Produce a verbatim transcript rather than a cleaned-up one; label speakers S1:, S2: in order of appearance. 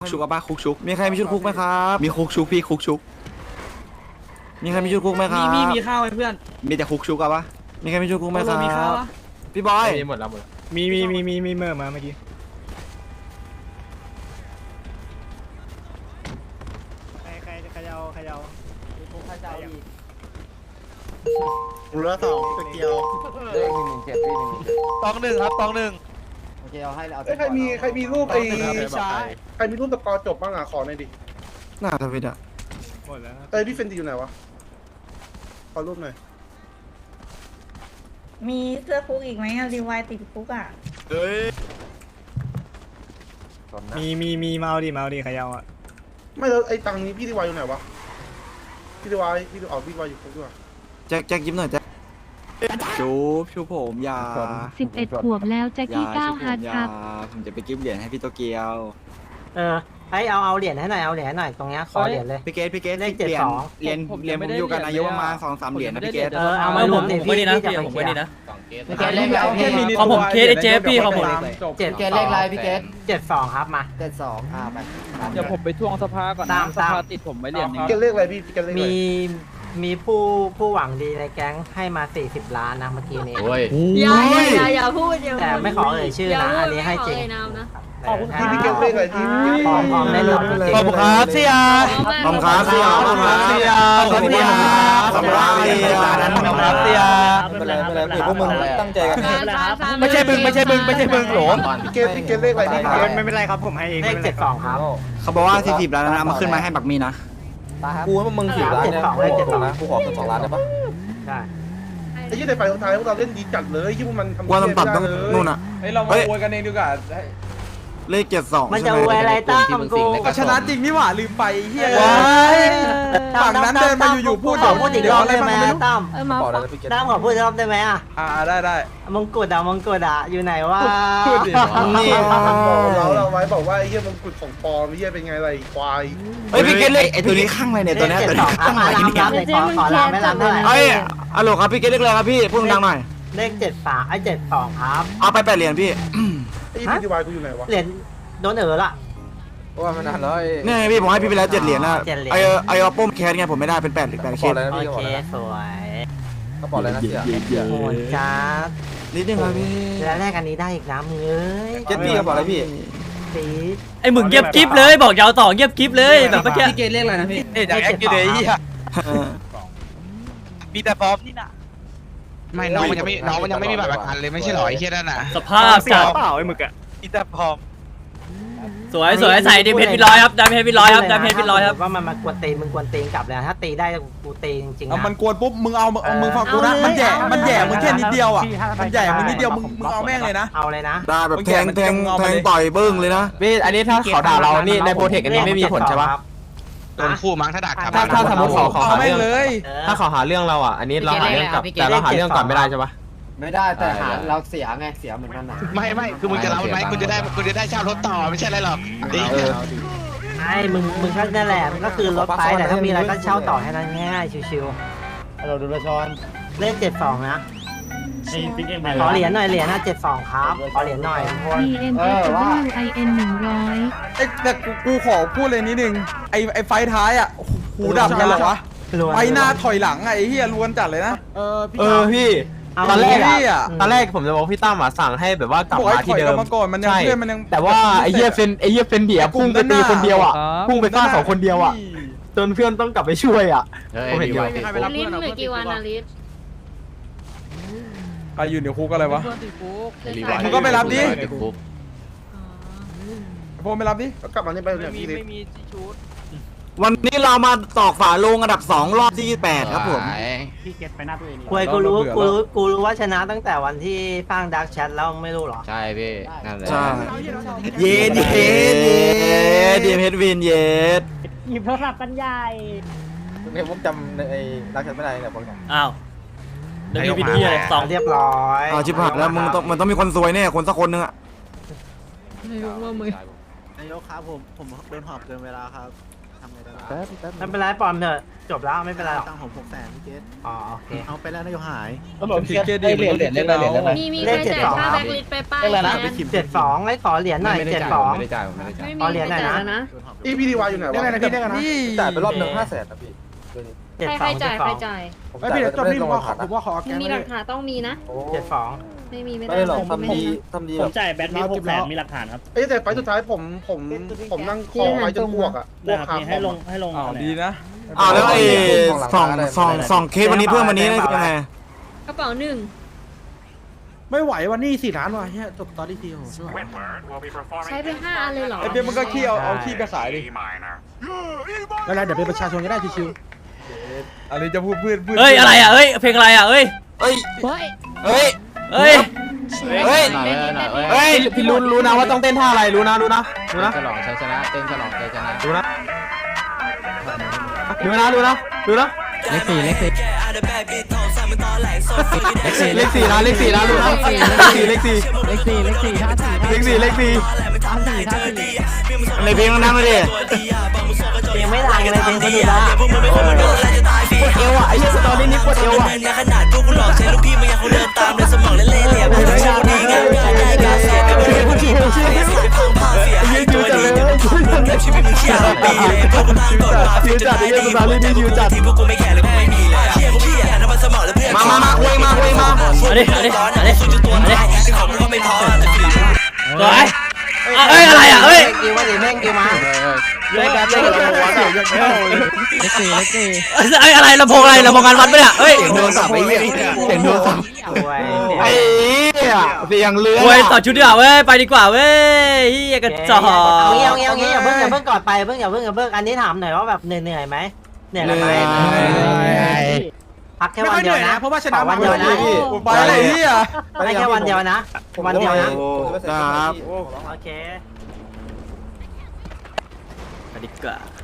S1: ชุกอะป้าคุกชุกมีใครมีชุดคุกไหมครับมีคุกชุกพี่คุกชุกมีใครมีชุดคุกไหมครับ
S2: มีมีมีข้าวไหมเพื่อน
S1: มีแต่คุกชุกอะปะมีใครมีชุดคุกไหมครับ
S2: มีข้าวปะ
S1: พี่บอย
S3: มีหมดแล้วหมด
S4: มีมีมีมีมีเมื่อมาเมื่อกี้ใครใครใครเอาใครเอาใครเอาอีก
S5: เหลือสองตัวเกียว
S3: เลขหนึ่งหนึ่งเจ็ดพี่หนึ่งหนึ่งเจ็ด
S5: ตองหนึ่งครับตองหนึ่ง
S3: โอเคเอาให้เอา
S5: เอ้ยใครมีใครมีรูปไอ้ใครมีรูปตะกอจบบ้างอ่ะขอหน่อยดิ
S1: หน้าทวิตอะ
S4: หมดแล้วครับ
S5: เอ้ยพี่เฟนตีอยู่ไหนวะขอรูปหน่อย
S6: มีเสื้อคุกอีกไหมอะรีวายติดคุกอ่ะ
S1: เฮ้ย
S4: มีมีมีเมาดิเมาดิใครเอาอ่ะ
S5: ไม่แล้วไอ้ตังค์นี้พี่ดีวายอยู่ไหนวะพี่ดีวายพี่ดีอ๋อพี่ดีวายอยู่ครบด้วย
S1: แจ็คแจ็คยิ้มหน่อยแจ็คชูบชูผมอยา
S7: สิบเอ็ดขวบแล้วแจ็ค
S1: อย่า
S7: กี้ก้าว
S1: ชูผม
S7: ฮาร์ด
S1: อ
S7: ค
S1: ย่า
S7: รับ
S1: ผมจะไปกิฟต์เหรียญให้พี่โตเกียว
S8: เออไอเอาเอาเหรียญให้หน่อยเอาเหรียญให้หน่อยตรงเนี้ยขอเหรียญเลย
S1: พี่เกตพี่เกต
S8: เลข
S1: เหรียญ
S8: เจ็ดสอง
S1: เหรียญเหรียญผมอยู่กับนายกประมาณสองสามเหรียญนะพี่เกต
S8: เออเอามาผมดิพี่พี่จะไปเคลียร์
S3: พี่เกตเลขอะไรพี่
S2: ของผมเคสไอเจฟพี่ของผม
S8: เจ็ด
S3: เกตเลขอะไรพี่เกต
S8: เจ็ดสองครับมา
S3: เจ็ดสองอ่าไป
S2: เดี๋ยวผมไปทวงสภาก่อน
S8: ตา
S2: นะ
S8: ม
S2: ส
S8: ตาม
S2: ภาติดผมไว้เหรียญหนึง
S5: พี่เกเลขอะไรพี่พี่เกเลขอะไร
S8: มีมีผู้ผู้หวังดีในแก๊งให้มาสี่สิบล้านนะเมื่อกี้นี้
S3: โอ้ย
S6: อย่าอย่าอย่าพูดอย่า
S8: แต่ไม่ขอเอ่ยชื่อนะอันนี้ให้จริง
S5: ขอบคุณพี่พี่เกเลขอะไรพี่พี่
S8: พร้อมพร้อมได้เลยจริง
S5: ขอบคุณครับเสีย
S1: ขอบคุณครับเสียขอบคุณครับเสียขอบคุณครับขอบคุณครับเสีย
S5: ขอบคุณครับเสีย
S3: ไม่เป็นไรไม่เป็นไรพวกมึงตั้งใจกัน
S5: ไม่ใช่มึงไม่ใช่มึงไม่ใช่มึงหรอพี่เกลพี่เกลเลขอะไรพี่เกล
S4: ไม่เป็นไรครับผมให้เอง
S8: เลขเจ็ดสองครับ
S1: เขาบอกว่าสี่สิบล้านนะเอามาขึ้นมาให้บักมีนะ
S3: กูให้พวกมึงสิบล้านเนี่ยกูขอสองล้านได้ปะ
S8: ใช่
S5: ไอ้ยี่ในไฟสุดท้ายพวกเราเล่นดีจัดเลยที่พวกมันทำ
S1: ว่าต้องตัดต้องนู่นอะ
S5: เฮ้ยเรามาโวยกันเองดีกว่า
S1: เลขเจ็ดสอง
S8: มันจะอวยอะไรตั้มกู
S5: ก็ชนะจริงนี่หว่าลืมไปเฮีย
S8: ฝั่งนั้นเดินมาอยู่ๆพูดขอพูดอีกรอบได้ไหมตั้ม
S3: ขอแล้วพี่เกต
S8: ตั้มขอพูดอีกรอบได้ไหมอ่ะ
S5: อ่าได้ได้
S8: มงกุฎอะมงกุฎอะอยู่ไหนวะ
S5: พูดดินี่เราเราไว้บอกว่าไอ้เฮียมันกุดของปลอมเฮียเป็นไงอะไรควาย
S1: เฮ้ยพี่เกตเลขไอ้ตัวนี้ข้างอะไรเนี่ยตัวนี้
S8: เจ็
S1: ตัว
S8: ดส
S1: นี้
S8: องครับ
S1: ข้าง
S8: มา
S1: อะไร
S8: ลำ
S1: เนี่ย
S8: ลำเลยขอขอลำไม่ลำเท่าไหร่
S1: เอ้ยอะโหลครับพี่เกตเลขอะไรครับพี่พูดดังหน่อย
S8: เลขเจ็ดสามไอ้เจ็ดสองครับ
S1: เอาไปแปดเหรียญพี่
S5: ไอ้พี่ดีวายกูอยู่ไหนวะ
S8: เหรียญโดนเอ๋อละ
S3: เพราะว่ามันนานแล้ว
S1: นี่ไงพี่ผมให้พี่ไปแล้วเจ็ดเหรียญนะ
S8: เจ็ดเหรียญ
S1: ไอไอเอาป้มแคสไงผมไม่ได้เป็นแปดเหรียญแปด
S3: ข
S1: เค
S3: อ
S1: ส
S3: อะไรนะ
S8: โอ
S3: พี่ขอ
S8: เค
S3: อะไรนะ
S8: สวย
S3: เขาบอกอะไรนะเสีย
S8: โหดจ้า
S1: นิดนึงครับพี่
S8: แล้วแรกอันนี้ได้อีกน้ำเอ้ย
S1: เจ็ดพี่เขาบอกอะไรพี่
S8: สี
S2: ไอหมึงเงียบกิ๊บเลยบอกยาวต่อเงียบกิ๊บเลยแบบเมื่อกี้
S8: พี่เกเลขอะไรนะพี่
S5: เอ๊ะอยากแอคกิเลยเฮีย
S1: เออ
S5: มีแต่พร้อมนี่นะ
S9: ไม่น้องมันยังไม่น้องมันยังไม่มีบัตรประกันเลยไม่ใช่หรอไอ้เหี้ยนั่นน่ะ
S2: สภาพจัด
S4: เปล่าไอ้หมึกอ่ะ
S5: มีแต่พร้อม
S2: สวยสวยใส่ดิเพชรพี่ร้อยครับดามเพชรพี่ร้อยครับดามเพชรพี่ร้อยครับ
S8: ว่ามันมากวนตีนมึงกวนตีนกลับเลยนะถ้าตีได้กูตีจริงๆ
S5: เอา
S8: นะ
S5: มันกวนปุ๊บมึงเอาเอามึงฟังกูนะมันแย่มันแย่มึงแค่นิดเดียวอ่ะมันแย่มึงนิดเดียวมึงมึงเอาแม่งเลยนะ
S8: เอาเลยนะ
S1: ได้แบบแทงแทงแทงต่อยเบิ้งเลยนะ
S3: พี่อันนี้ถ้าเขาด่าเรานี่ในโปรเทคอันนี้ไม่มีผลใช่ปะ
S9: โดนคู่มั้งถ้าดักครับ
S3: ถ้าถ้าสมมติเขาเขา
S5: เอา
S3: หา
S5: แม่
S3: เรื่อง ง
S5: เลย
S3: ถ้าเขาหาเรื่องเราอ่ะอันนี้เราหาเรื่องกลับแต่เราหาเรื่องก่อนไม่ได้ใช่ปะ
S10: ไม่ได้แต่หาเราเสียไงเสียเหมือนกันนะ
S9: ไม่ไม่คือมึงจะรับมันไหมคุณจะได้คุณจะได้เช่ารถต่อไม่ใช่อะไรหรอก
S3: เออ
S8: ไอ้มึงมึงก็นั่นแหละมันก็คือรถไปแต่ถ้ามีอะไรก็เช่าต่อให้นั้นง่ายชิว
S10: เราดูละชอน
S8: ๆเลขเจ็ดสองนะขอเหรียญหน่อยเหรียญนะเจ็ดสองครับขอเหรียญหน่อยทุกคน
S7: D M S W I N หนึ่งร้อย
S5: ไอ้แต่กูขอพูดเลยนิดนึงไอ้ไอ้ไฟท้ายอ่ะหูดับกันเหรอวะไฟหน้าถอยหลังไอ้เฮียล้วนจัดเลยนะ
S3: เออพี่
S8: เอา
S3: ตอนแรก
S5: พี่
S3: อะ
S5: อ่ะ
S3: ตอนแรกผมจะบอกพี่ตั้มอ่ะสั่งให้แบบว่ากลับ
S5: บอก
S3: มา
S5: ให้ถ
S3: ที่
S5: อย
S3: เดิ
S5: กลับ
S3: ม
S5: มาก่อนมันยัง
S3: ใช่
S5: เพื่อนมันยัง
S3: แต่ว่าไอ้เหี้ยเฟนไอ้เหี้ยเฟนเดียพุ่งไปตีคนเดียวอ่ะพุ่งไปฆ่าสองคนเดียวอ่ะจนเพื่อนต้องกลับไปช่วยอ่ะผมเห็นอยู่
S6: ลิ้นเหลือกี่วันอะลิ้น
S5: ใครอยู่ในคุกอะไรวะ มึงก็ไปรับดิ พวกไม่รับดิกลับมานี่ไปเนี่ยพี่ไม่มี
S1: วันนี้เรามาตอกฝาโลงอันดับสองรอบที่แปดครับผม
S4: พี่เก็ตไปหน้าตัวเอง
S8: คุยกูรู้กูรู้กูรู้ว่าชนะตั้งแต่วันที่ฟังดักแชทแล้วไม่รู้หรอ
S3: ใช่พี่นั่นแหละ
S1: ใช่เย็ดเย็ดเย็ดดีเพชรวินเย็ด
S8: หยิบโทรศัพท์กันใหญ่
S3: เนี่ยผมจำไอ้รักฉันไม่ได้เนี่ยผม
S2: อ้าวเดี๋ยวมีวิธีอะไรสอง
S8: เรียบร้อย
S1: อ้าวชิบหายแล้วมึงต้องมันต้องมีคนซวยแน่คนสักคนนึงอะ
S10: นายกครับผมผมโดนหอบเกินเวลาครับ
S8: ไม่เป็นไรปลอมเถอะจบแล้วไม่เป็นไรหรอก
S4: ตังผมหกแสนพี่เกต
S8: อ๋อโอเค
S4: เอาไปแล้วนายกหาย
S5: ติดเครดิตเหรียญเหรียญเล่นอะไรเหรียญอะไร
S6: มีมีใครจ่ายค่าแบ็คลิสต์ไปป้ายแทน
S8: เจ็ดสองให้ขอเหรียญหน่อยเจ็ดสอง
S6: ไม่มี
S8: ขอเหรียญหน่อยนะ
S6: ใครจ่ายแล้วนะ
S5: อีพีดีวายอยู่ไหนวะได้ไงนะพี่ได้ไงนะ
S3: จ่ายไปรอบหนึ่งห้าแสนนะพี่
S8: เจ็ด
S6: ใคร
S8: ส
S6: ใค
S8: อ
S6: รง
S8: เจ็
S6: จ่า
S8: ด
S6: ย
S8: ส
S6: ใค
S8: อ
S6: รง จ่าย
S5: ไอพี่เดี๋ยวจบนี่ผมว่าขอผมว่าขอแก
S6: มึง
S5: ง
S6: มีหลักฐานต้องมีนะ
S8: เจ็ดสอง
S6: ไม่มีไม่
S3: ไม่
S6: ได้
S3: ได้หรอก
S6: ผม
S3: ทำ
S6: ไม่
S3: ดี
S6: ได้
S3: ทำดี
S4: ผ
S3: แบ
S4: ม
S3: บ
S4: จ่ายแบทมีหกแสนมีหลักฐานครับ
S5: เอ้แต่ไฟสุดท้ายผมผมผมนั่งคอไว้จนอ้วกอ่ะอ้วกคาค
S4: ให้ล
S5: อง
S4: ให้ลง
S5: อ๋อดีนะ
S1: อ้าวแล้วไอ้สองสองสองเคสวันนี้เพิ่มวันนี้ได้ยังไง
S6: กระเป๋าหนึ่ง
S5: ไม่ไหววันนี้สี่ล้านว่ะเฮียจบตอนที่ทีโห
S6: ใช้ไปห้าอันเลยเหรอ
S5: ไอเบี้ยมันก็ขี้เอาเอาขี้ไปขายดิ
S4: แล้วเดี๋ยวเป็นประชาชนก็ได้ชิว
S5: อันนี้จะพูดเพื่อนเพื่อน
S2: เฮ้ยอะไรอ่ะเฮ้ยเพลงอะไรอ่ะเฮ้ย
S1: เฮ้ย
S6: เฮ้ย
S1: เฮ้ย
S2: เฮ้ย
S1: เฮ้ย
S3: เฮ้ยพี่รู้รู้นะว่าต้องเต้นท่าอะไรรู้นะรู้นะรู้นะ
S9: ฉลองชัยชนะเต้นฉลองชัยชนะ
S3: รู้นะดูนะดูนะดูนะ
S9: เลขสี่เลขสี่
S3: เลขสี่นะเลขสี่นะรู้นะเลขสี่เลขสี่
S9: เลขสี่เลขสี่ท่าสี่
S3: เลขสี่เลขสี่
S9: ท่าสี่ท่าสี่
S1: ในเพลงนั่งเลยดิ
S8: เพลงไม่ดังเลยเพลงคนดูละ
S3: ปวดเอวอ่ะไอ้เหี้ยสตอรี่นี้ปวดเอวอ่ะ
S1: ขนาดพวกกูหลอกใช้ลูกพี่มันยังคงเดินตามในสมองและเล่ห์เหลี่ยมไม่ใช่ดีงามได้การเสียแต่ไม่ได้พูดถึงชีวิตพังผ่าเสียหายตัวดีกับชีวิตมึงเชี่ยปีพวกกูตั้งกฎมาฟิวจัดไอ้เรื่องสตอรี่นี้ฟิวจัดที่พวกกูไม่แคร์เลยกูไม่มีเชี่ยพวกพี่อ่ะน้ำมันสมองและเพื่อนมามามาคุยมาคุยมา
S2: เอาดิเอาดิเอาดิ
S1: สู้จนตัวตายซึ่งของมึงก็ไม่ท้อ
S2: สวยอ่ะเฮ้ยอะไรอ่ะเฮ้ย
S8: กิวว่าดิแม่งกิวมา
S5: เลิกกันเลิกกันหัวเสียยังเข้าเลย
S9: เลขสี่เลขสี่
S2: เอ้ยอะไรลำโพงอะไรลำโพงงานวัดปะเนี่ยเฮ้ย
S3: เสียงโดนสับไอ้เหี้ยเสียงโดนสับ
S8: สวย
S3: ไอ้เหี้ยเสียงเรือ
S2: โว้ยต่อชุดดีกว่าเว้ยไปดีกว่าเว้ยเฮียกระจอก
S8: เอางี้เอางี้เอางี้อย่าเพิ่งอย่าเพิ่งกอดไปเพิ่งอย่าเพิ่งอย่าเพิ่งอันนี้ถามหน่อยว่าแบบเหนื่อยเหนื่อยไหมเหนื่อยกันไหมพักแค่วันเดียวนะ
S4: เพราะว่าชนะ
S8: วันเดียวนะ
S5: ไปอะไรเฮีย
S8: ให้แค่วันเดียวนะวันเดียวนะ
S1: ครับ
S8: โอเค
S2: ไปดีกว่า